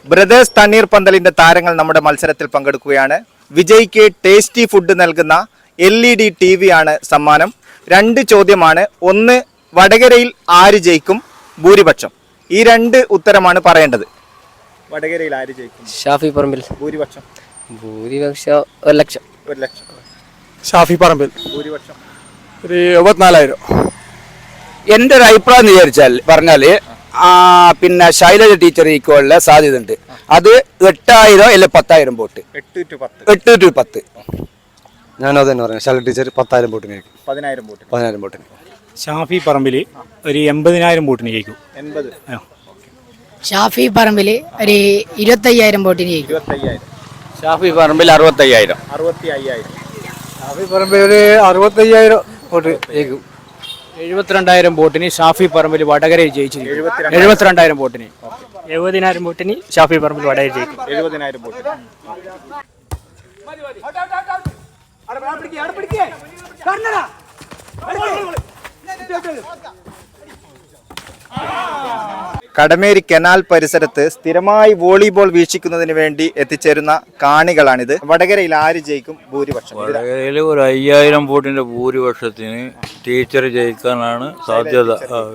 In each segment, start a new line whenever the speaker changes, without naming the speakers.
Brothers തണ്ണീർപന്തലിന്റെ താരങ്ങൾ നമ്മുടെ മത്സരത്തിൽ പങ്കെടുക്കുകയാണ്. വിജയ്ക്ക് ടേസ്റ്റി ഫുഡ് നൽകുന്ന LED TV ആണ് സമ്മാനം. 2 ചോദ്യമാണ്. ഒന്ന്, വടകരയിൽ ആര് ജയിക്കും? ഭൂരിപക്ഷം. ഈ 2 ഉത്തരമാണ് പറയേണ്ടത്. വടകരയിൽ ആര് ജയിക്കും?
ഷാഫി പറമ്പിൽ.
ഭൂരിപക്ഷം
1 ലക്ഷം.
1 ലക്ഷം.
ഷാഫി പറമ്പിൽ.
ഭൂരിപക്ഷം
74,000.
എൻ്റെ ഒരു അഭിപ്രായം പറഞ്ഞാൽ പിന്നെ ശൈലജ ടീച്ചർ ജയിക്കാനുള്ള സാധ്യത ഉണ്ട്. അത് 8,000 അല്ലെ 10,000 വോട്ട്. 8 to 10.
ഞാനത് തന്നെ പറയാം. ശൈലജ ടീച്ചർ 10,000 വോട്ടിന് ജയിക്കും.
10,000
വോട്ടിന്.
ഷാഫി പറമ്പിൽ ഒരു 80,000 വോട്ടിന് ജയിക്കും.
80.
ഷാഫി പറമ്പിൽ ഒരു 25,000 വോട്ടിന് ജയിക്കും.
25,000.
ഷാഫി പറമ്പിൽ 65,000.
65,000.
ഷാഫി പറമ്പിൽ ഒരു 65,000 വോട്ട് ജയിക്കും.
72,000 വോട്ടിന് ഷാഫി പറമ്പിൽ വടകരയിൽ ജയിച്ചിരിക്കും. 72,000 വോട്ടിന്.
70,000 വോട്ടിന് ഷാഫി പറമ്പിൽ വടകര ജയിക്കും.
70,000 വോട്ടിന്. കടമേരി കനാൽ പരിസരത്ത് സ്ഥിരമായി വോളിബോൾ വീക്ഷിക്കുന്നതിന് വേണ്ടി എത്തിച്ചേരുന്ന കാണികളാണിത്. വടകരയിൽ ആര് ജയിക്കും? ഭൂരിപക്ഷം.
വടകരയിൽ ഒരു 5,000 വോട്ടിന്റെ ഭൂരിപക്ഷത്തിന് ടീച്ചർ ജയിക്കാനാണ് സാധ്യത.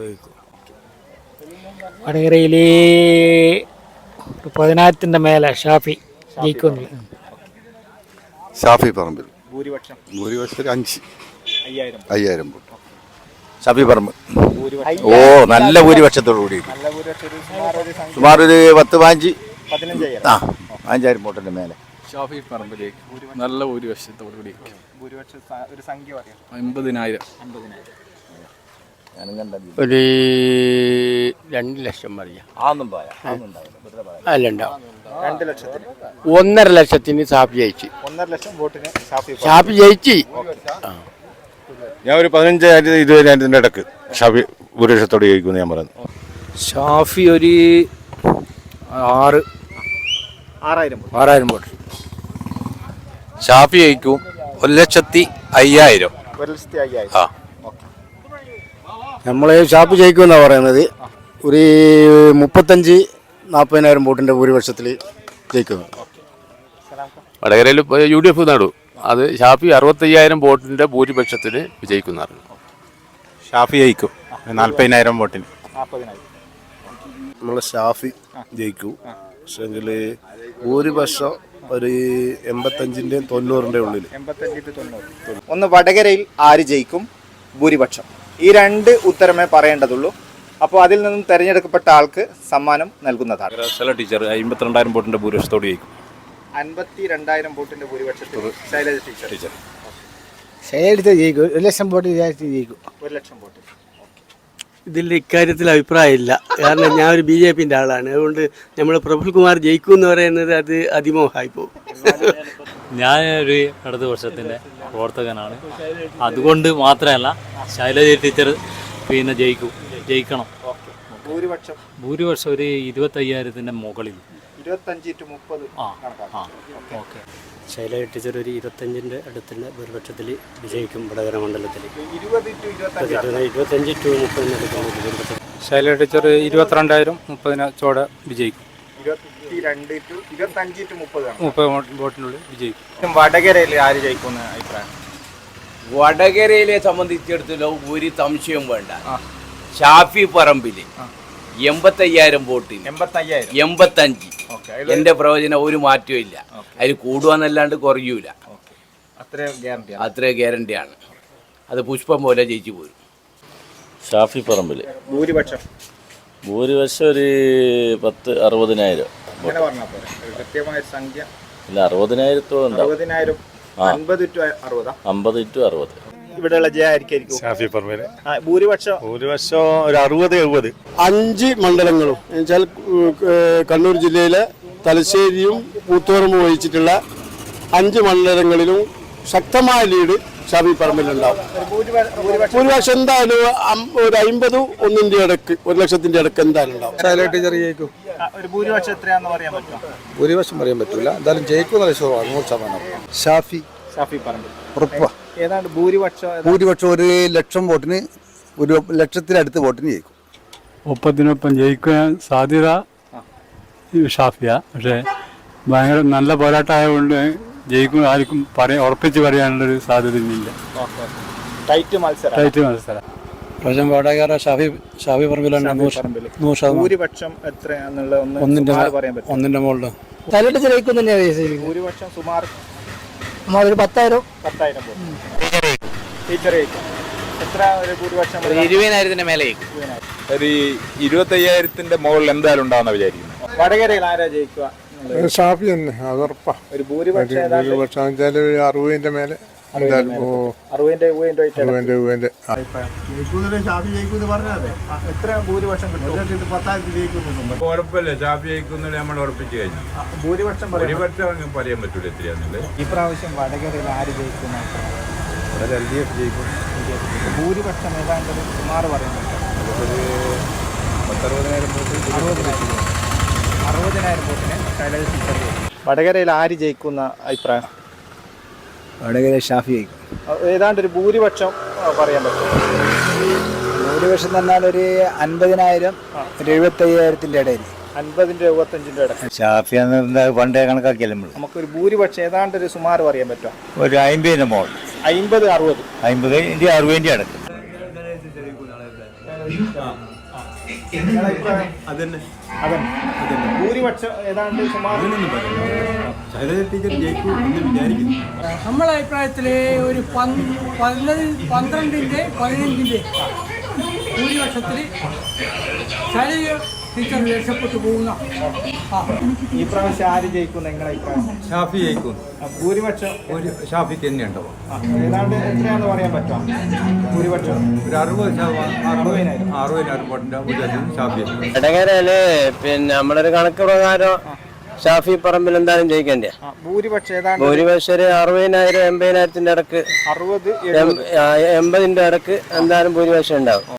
വടകരയിൽ 10,000 മേലെ ഷാഫി ജയിക്കുന്നു.
ഷാഫി പറമ്പിൽ.
ഭൂരിപക്ഷം
5,000 വോട്ട്.
ഷാഫി പറമ്പ്. നല്ല ഭൂരിപക്ഷത്തോടു കൂടി. സുമാർ ഒരു 15,000 വോട്ടിന്റെ മേലെ.
ഷാഫി പറമ്പിലേക്ക് നല്ല ഭൂരിപക്ഷത്തോടു കൂടി. 50,000.
ഒരു 2 ലക്ഷം പറയാം. അല്ല ഉണ്ടാവും.
2 ലക്ഷത്തിന്.
1.5 ലക്ഷത്തിന് ഷാഫി ജയിച്ചു.
1.5 ലക്ഷം വോട്ടിന്
ഷാഫി ജയിച്ചു.
ഞാൻ ഒരു 15,000-20,000 ഇടക്ക് ഷാഫി ഭൂരിപക്ഷത്തോട് ജയിക്കുമെന്ന് ഞാൻ പറയുന്നു.
ഷാഫി ഒരു
6,000
വോട്ട്.
ഷാഫി ജയിക്കും 1,05,000.
1,05,000.
നമ്മൾ ഷാഫി ജയിക്കുമെന്നാണ് പറയുന്നത്. ഒരു 35,000-40,000 വോട്ടിന്റെ ഭൂരിപക്ഷത്തിൽ ജയിക്കുന്നു.
വടകരയിൽ UDF നേടും. അത് ഷാഫി 65,000 വോട്ടിന്റെ ഭൂരിപക്ഷത്തിൽ വിജയിക്കുന്നതാണ്.
ഷാഫി ജയിക്കും 40,000 വോട്ടിന്.
നമ്മൾ ഷാഫി ജയിക്കും. പക്ഷെങ്കിൽ ഭൂരിപക്ഷം ഒരു 85-ന്റെയും 90-ന്റെയും ഉള്ളിൽ.
85-90. ഒന്ന്, വടകരയിൽ ആര് ജയിക്കും? ഭൂരിപക്ഷം. ഈ 2 ഉത്തരമേ പറയേണ്ടതുള്ളൂ. അപ്പോൾ അതിൽ നിന്നും തെരഞ്ഞെടുക്കപ്പെട്ട ആൾക്ക് സമ്മാനം നൽകുന്നതാണ്.
ശൈലജ ടീച്ചർ 52,000 വോട്ടിന്റെ ഭൂരിപക്ഷത്തോട് ജയിക്കും.
52,000 വോട്ടിന്റെ ഭൂരിപക്ഷത്തിൽ ശൈലജ ടീച്ചർ.
ശൈലജ ജയിക്കും. 1 ലക്ഷം വോട്ട് ജയിക്കും.
1 ലക്ഷം വോട്ട്.
ഇതിൽ ഇക്കാര്യത്തിൽ അഭിപ്രായമില്ല. കാരണം ഞാൻ ഒരു BJPന്റെ ആളാണ്. അതുകൊണ്ട് നമ്മൾ പ്രഫുൽകുമാർ ജയിക്കും എന്ന് പറയുന്നത് അത് അതിമോഹമായി പോകും.
ഞാനൊരു ഇടതുപക്ഷത്തിൻ്റെ പ്രവർത്തകനാണ്. അതുകൊണ്ട് മാത്രമല്ല ശൈലജ ടീച്ചർ പിന്നെ ജയിക്കണം. ഭൂരിപക്ഷം ഒരു 25,000 മുകളിൽ.
25 to 30.
ഓക്കെ.
ശൈലജ ടീച്ചർ ഒരു 25-ന്റെ അടുത്തുള്ള ഭൂരിപക്ഷത്തിൽ വിജയിക്കും. വടകര മണ്ഡലത്തിൽ 25 to 30.
ശൈലജ ടീച്ചർ 22,000 ചോടെ വിജയിക്കും.
22 to 25 to 30
വോട്ടിനുള്ളിൽ വിജയിക്കും.
വടകരയിൽ ആര് ജയിക്കുമെന്ന് അഭിപ്രായം?
വടകരയിലെ സംബന്ധിച്ചിടത്തോളം ഒരു സംശയവും വേണ്ട. ഷാഫി പറമ്പിൽ 85,000 വോട്ടിന്. 85. എന്റെ പ്രവചനം ഒരു മാറ്റവും ഇല്ല. അതിൽ കൂടുവാന്നല്ലാണ്ട് കുറയൂല. അത്ര ഗ്യാരണ്ടിയാണ്. അത് പുഷ്പം പോലെ ജയിച്ചു പോരും.
ഷാഫി പറമ്പിൽ
ഭൂരിപക്ഷം
ഒരു 10,000-60,000.
കൃത്യമായ സംഖ്യ
ഇല്ല, 60,000
50 to
60.
ഇവിടെയുള്ള ജയായിരിക്കും.
ഷാഫി പറമ്പിൽ.
ഭൂരിപക്ഷം
ഒരു 60-70. 5 മണ്ഡലങ്ങളും എന്നുവെച്ചാൽ കണ്ണൂർ ജില്ലയിലെ തലശ്ശേരിയും പൂത്തോറും വഹിച്ചിട്ടുള്ള 5 മണ്ഡലങ്ങളിലും ശക്തമായ ലീഡ് ഷാഫി പറമ്പിലുണ്ടാവും. ഭൂരിപക്ഷം എന്തായാലും ഒരു 50-1 ഇടക്ക് 1 ലക്ഷത്തിന്റെ ഇടക്ക് എന്തായാലും ഉണ്ടാവും. ശൈലജ ടീച്ചർ ജയിക്കും.
ഭൂരിപക്ഷം എത്രയാണെന്ന് പറയാൻ പറ്റുമോ?
ഭൂരിപക്ഷം പറയാൻ പറ്റില്ല. എന്തായാലും ജയിക്കും. 100%. ഷാഫി
പറമ്പിൽ
ഉറപ്പാ.
ഏതാണ്ട് ഭൂരിപക്ഷം
ഒരു 1 ലക്ഷം വോട്ടിന് 1 ലക്ഷത്തിനടുത്ത് വോട്ടിന് ജയിക്കും.
30-നൊപ്പം ജയിക്കാൻ സാധ്യത ഷാഫിയ. പക്ഷേ ഭയങ്കര നല്ല പോരാട്ടമായതുകൊണ്ട് ജയിക്കും ആർക്കും ഉറപ്പിച്ച് പറയാനുള്ളൊരു സാധ്യതയില്ല.
ടൈറ്റ് മത്സരം.
ടൈറ്റ് മത്സരം.
പ്രശ്നം വടകര ഷാഫി പറമ്പിലാണ് 100%.
ഭൂരിപക്ഷം എത്രയാന്നുള്ള പറയാൻ പറ്റും.
1ന്റെ മുകളിൽ
തലയിട്ട് ജയിക്കും തന്നെയാണ്
ഭൂരിപക്ഷം സുമാർ
ഒരു 10,000
ടീച്ചർ ജയിക്കും. എത്ര ഒരു ഭൂരിപക്ഷം?
20,000 മേലെ.
ഒരു 25,000 മുകളിൽ എന്തായാലും ഉണ്ടാവുന്ന വിചാരിക്കുന്നു.
വടകരയിൽ ആരാ ജയിക്കുക?
ഷാഫി തന്നെ, അതുറപ്പാ.
ഒരു ഭൂരിപക്ഷം ഏതാണ്ട്
60ന്റെ മേലെ എന്തായാലും
60-70
എത്ര ഭൂരിപക്ഷം കിട്ടും? 10,000 ജയിക്കുന്നു.
ഉറപ്പല്ലേ ഷാഫി ജയിക്കുന്നത് നമ്മൾ ഉറപ്പിച്ച് കഴിഞ്ഞു.
ഭൂരിപക്ഷം
ഭൂരിപക്ഷം പറയാൻ പറ്റൂല എത്രയാന്നുള്ളത്.
ഈ പ്രാവശ്യം വടകരയിൽ ആര് ജയിക്കുന്ന
LDF ജയിക്കും.
ഭൂരിപക്ഷം ഏതാണ്ട് സുമാർ പറയാൻ പറ്റും.
60,000 വോട്ട്.
60,000 വോട്ടിന് ശൈലജ ടീച്ചർ ജയിക്കും. വടകരയിൽ ആര് ജയിക്കുന്ന അഭിപ്രായം?
വടകര ഷാഫി ജയിക്കും.
ഏതാണ്ട് ഒരു ഭൂരിപക്ഷം പറയാൻ പറ്റും.
ഭൂരിപക്ഷം പറഞ്ഞാൽ ഒരു 50,000 ഒരു 75,000 ഇടയിൽ.
50-75 ഇടയ്ക്ക്.
ഷാഫി പണ്ടേ കണക്കാക്കിയല്ലേ നമ്മൾ.
നമുക്കൊരു ഭൂരിപക്ഷം ഏതാണ്ട് ഒരു സുമാർ പറയാൻ പറ്റും.
ഒരു 50 മോൾ.
50-60.
50-60 അടക്കം.
അതന്നെ ഭൂരിപക്ഷം ഏതാണ്ട് സുമാർ
നമ്മളെ അഭിപ്രായത്തിൽ ഒരു 12-15 ഭൂരിപക്ഷത്തിൽ ശൈലജ ടീച്ചർ രക്ഷപ്പെട്ടു പോകുന്ന.
ഈ പ്രാവശ്യം ആര് ജയിക്കും നിങ്ങളുടെ അഭിപ്രായം?
ഷാഫി ജയിക്കും.
ഭൂരിപക്ഷം
ഒരു ഷാഫിക്ക് തന്നെ ഉണ്ടാവും.
ഏതാണ്ട് എത്രയാന്ന് പറയാൻ പറ്റും? ഭൂരിപക്ഷം
ഒരു 60,000 വോട്ടിന്റെ ഭൂരിപക്ഷം ഷാഫി.
വടകരയില് പിന്നെ നമ്മളൊരു കണക്ക് പ്രകാരം ഷാഫി പറമ്പിൽ എന്തായാലും ജയിക്കണ്ടേ.
ഭൂരിപക്ഷം ഏതാണ്ട്
ഭൂരിപക്ഷം 60,000 80,000 ഇടക്ക്
60-70
80ന്റെ ഇടക്ക് എന്തായാലും ഭൂരിപക്ഷം ഉണ്ടാവും.